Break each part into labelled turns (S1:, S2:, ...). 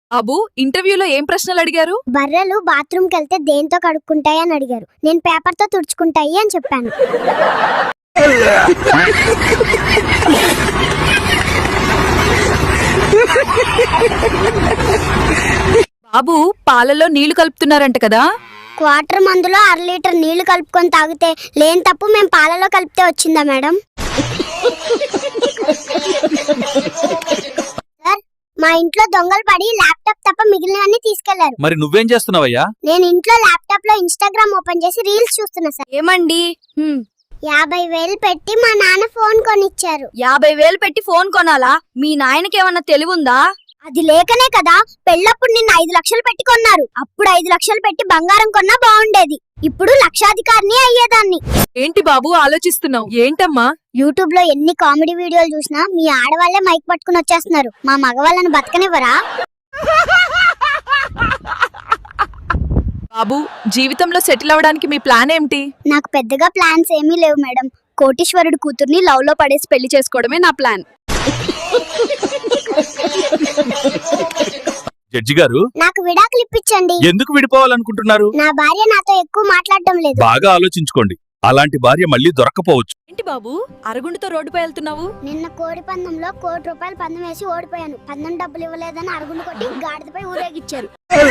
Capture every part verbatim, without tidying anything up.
S1: Abu ఇంటర్వ్యూలో ఏం ప్రశ్నలు అడిగారు?
S2: బర్రెలు బాత్రూమ్ కెళ్తే దేంతో కడుక్కుంటాయి అని అడిగారు. నేను పేపర్ తో తుడుచుకుంటాయి అని చెప్పాను.
S1: బాబు పాలలో నీళ్లు కలుపుతున్నారంట కదా?
S2: క్వార్టర్ మందులో అర లీటర్ నీళ్లు కలుపుకొని తాగితే లేని తప్పు మేము పాలలో కలిపితే వచ్చిందా మేడం? సార్, మా ఇంట్లో దొంగలు పడి ల్యాప్టాప్ తప్ప మిగిలినవన్నీ తీసుకెళ్లారు.
S3: మరి నువ్వేం చేస్తున్నావయ్యా?
S2: నేను ఇంట్లో ల్యాప్టాప్ లో ఇన్స్టాగ్రామ్ ఓపెన్ చేసి రీల్స్ చూస్తున్నా సార్.
S1: ఏమండి?
S2: యాభై వేలు పెట్టి మా నాన్న ఫోన్ కొనిచ్చారు.
S1: యాభై వేలు పెట్టి ఫోన్ కొనాలా? మీ నాయనకి ఏమన్నా తెలివుందా?
S2: అది లేకనే కదా పెళ్ళప్పుడు నిన్న ఐదు లక్షలు పెట్టి కొన్నారు. అప్పుడు ఐదు లక్షలు పెట్టి బంగారం కొన్నా బాగుండేది. ఇప్పుడు లక్షాధికారిని అయ్యేదాన్ని.
S1: ఏంటి బాబు ఆలోచిస్తున్నావు? ఏంటమ్మా?
S2: యూట్యూబ్ లో ఎన్ని కామెడీ వీడియోలు చూసినా మీ ఆడవాళ్లే మైక్ పట్టుకుని వచ్చేస్తున్నారు. మా మగవాళ్ళను బతకనివ్వరా?
S1: బాబు జీవితంలో సెటిల్ అవ్వడానికి మీ ప్లాన్ ఏంటి?
S2: నాకు పెద్దగా ప్లాన్స్ ఏమీ లేవు మేడం. కోటీశ్వరుడు కూతుర్ని లవ్ లో పడేసి పెళ్లి చేసుకోవడమే నా ప్లాన్.
S3: జడ్జి గారు,
S2: నాకు విడాకులు ఇప్పించండి.
S3: ఎందుకు విడిపోవాలనుకుంటున్నారు?
S2: నా భార్య నాతో ఎక్కువ మాట్లాడడం లేదు.
S3: బాగా ఆలోచించుకోండి. అలాంటి భార్య మళ్ళీ దొరక్కపోవచ్చు.
S1: ఏంటి బాబు అరుగుండుతో రోడ్డుపై వెళ్తున్నావు?
S2: నిన్న కోడి పందంలో కోటి రూపాయలు పందెం వేసి ఓడిపోయాను. పందెం డబ్బులు ఇవ్వలేదని అరుగుండు కొట్టి గాడిదపై ఊరేగిచ్చారు.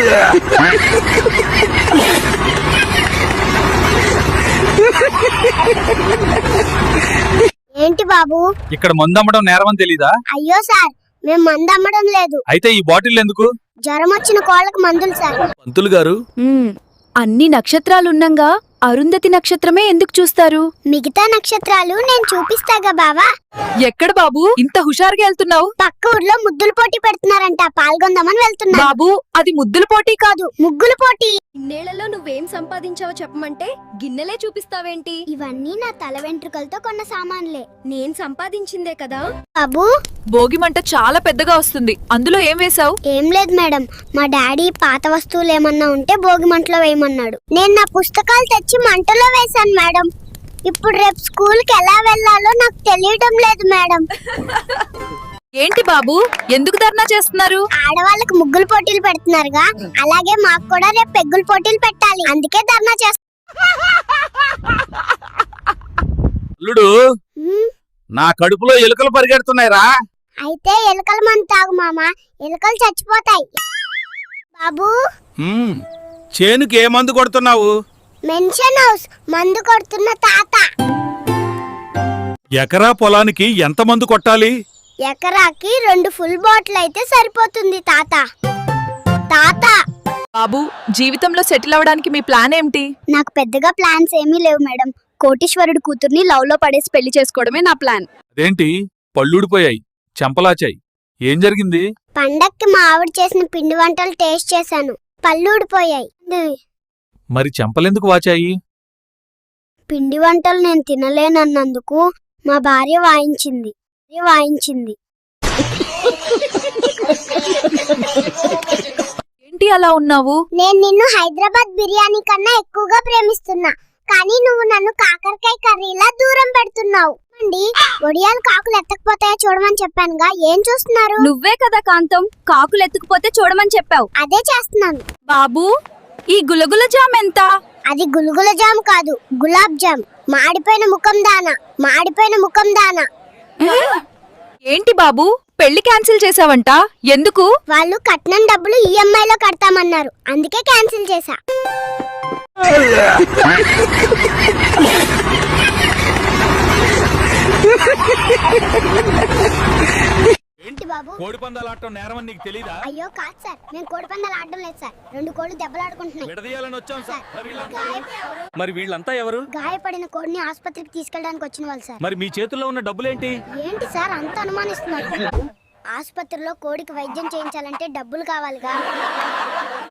S2: ఏంటి బాబు?
S3: ఇక్కడ మందు అమ్మడం నేరమని తెలీదా?
S2: అయ్యో సార్, మేము మందు అమ్మడం లేదు.
S3: అయితే ఈ బాటిల్ ఎందుకు?
S2: జ్వరం వచ్చిన కోళ్ళకు మందులు సార్.
S3: పంతులు గారు,
S1: అన్ని నక్షత్రాలున్నంగా అరుంధతి నక్షత్రమే ఎందుకు చూస్తారు?
S2: మిగతా నక్షత్రాలు నేను చూపిస్తాగా బావా.
S1: ఎక్కడ బాబు ఇంత హుషారుగా వెళ్తున్నావు?
S2: పక్క ఊర్లో ముద్దులు పోటీ పెడుతున్నారంట, పాల్గొందామని వెళ్తున్నా.
S1: బాబు అది ముద్దుల పోటీ కాదు,
S2: ముగ్గులు పోటీ.
S4: ఇన్నేళ్లలో నువ్వేం సంపాదించావో చెప్పమంటే గిన్నెలే చూపిస్తావేంటి?
S2: ఇవన్నీ నా తల వెంట్రుకలతో కొన్న సామాన్లే.
S4: నేను సంపాదించిందే కదా.
S2: బాబు,
S1: భోగి మంట చాలా పెద్దగా వస్తుంది, అందులో ఏం వేశావు?
S2: ఏం లేదు మేడం, మా డాడీ పాత వస్తువులు ఏమన్నా ఉంటే భోగి మంటలో వేయమన్నాడు. నేను నా పుస్తకాలు తెచ్చి మంటలో వేశాను మేడం. ఇప్పుడు రేపు స్కూల్ కి ఎలా వెళ్లాలో నాకు తెలియడం లేదు మేడం.
S1: ఏంటి బాబు ఎందుకు ధర్నా చేస్తున్నారు?
S2: ఆడవాళ్ళకి ముగ్గులు పోటీలు పెడుతున్నారుగా, అలాగే మాకు కూడా రేపు పెగ్గులు పోటీలు పెట్టాలి. అందుకే ధర్నా చేస్తున్నా.
S3: అల్లుడు, నా కడుపులో ఎలుకలు పరిగెడుతున్నాయిరా.
S2: అయితే ఎలుకల మందు తాగు మామ, ఎలుకలు చచ్చిపోతాయి. బాబు,
S3: హ్మ్, చేనుకి ఏ మందు కొడుతున్నావు?
S2: మెన్షన్ హౌస్ మందు కొడుతున్న తాత.
S3: ఎకరా పొలానికి ఎంత మందు కొట్టాలి?
S2: ఎకరాకి రెండు ఫుల్ బాటిల్ అయితే సరిపోతుంది తాత. తాత,
S1: బాబు జీవితంలో సెటిల్ అవ్వడానికి మీ ప్లాన్ ఏంటి?
S2: నాకు పెద్దగా ప్లాన్స్ ఏమీ లేవు మేడం.
S1: కోటీశ్వరుడు కూతుర్ని లవ్ లో పడేసి పెళ్లి చేసుకోవడమే నా ప్లాన్.
S3: అదేంటి పళ్ళూడిపోయాయి, చెంపలాచాయి, ఏం జరిగింది?
S2: పండక్కి మా ఆవిడ చేసిన పిండి వంటలు టేస్ట్ చేశాను, పళ్ళు ఊడిపోయాయి.
S3: మరి చెంపలెందుకు వాచాయి?
S2: పిండి వంటలు నేను తినలేనన్నందుకు మా భార్య వాయించింది వాయించింది
S1: ఏంటి అలా ఉన్నావు?
S2: నేను నిన్ను హైదరాబాద్ బిర్యానీ కన్నా ఎక్కువగా ప్రేమిస్తున్నా, కానీ నువ్వు నన్ను కాకరకాయ కర్రీలా దూరం పెడుతున్నావు. అండి, ఒడియాలు కాకులు ఎత్తకపోతాయో చూడమని చెప్పానుగా, ఏం చూస్తున్నారు?
S4: నువ్వే కదా కాంతం కాకులు ఎత్తుకుపోతే చూడమని చెప్పావు.
S2: అదే చేస్తున్నాను.
S1: బాబు ఈ గులగుల జామ్ ఎంత?
S2: అది గుల్గుల జామ్ కాదు, గులాబ్ జామ్. మాడిపోయిన ముఖం దానా, మాడిపోయిన ముఖం దానా.
S1: ఏంటి బాబు పెళ్లి క్యాన్సిల్ చేసావంట, ఎందుకు?
S2: వాళ్ళు కట్నం డబ్బులు ఈఎంఐ లో కడతామన్నారు, అందుకే క్యాన్సిల్ చేశా. ఏంటి బాబు?
S3: కోడి పందాలు ఆడటం నేరమని నీకు తెలీదా?
S2: అయ్యో కాదు సార్, మేము కోడి పందాలు ఆడడం లేదు సార్. రెండు కోళ్లు దెబ్బలాడుకుంటున్నాయి.
S3: విడదీయాలని వచ్చాం సార్.
S2: గాయ-
S3: మరి వీళ్ళంతా ఎవరు?
S2: గాయపడిన కోడిని ఆసుపత్రికి తీసుకెళ్ళడానికి వచ్చిన వాళ్ళు సార్.
S3: మరి మీ చేతుల్లో ఉన్న డబ్బులేంటి?
S2: ఏంటి సార్ అంత అనుమానిస్తున్నారు? ఆసుపత్రిలో కోడికి వైద్యం చేయించాలంటే డబ్బులు కావాలిగా.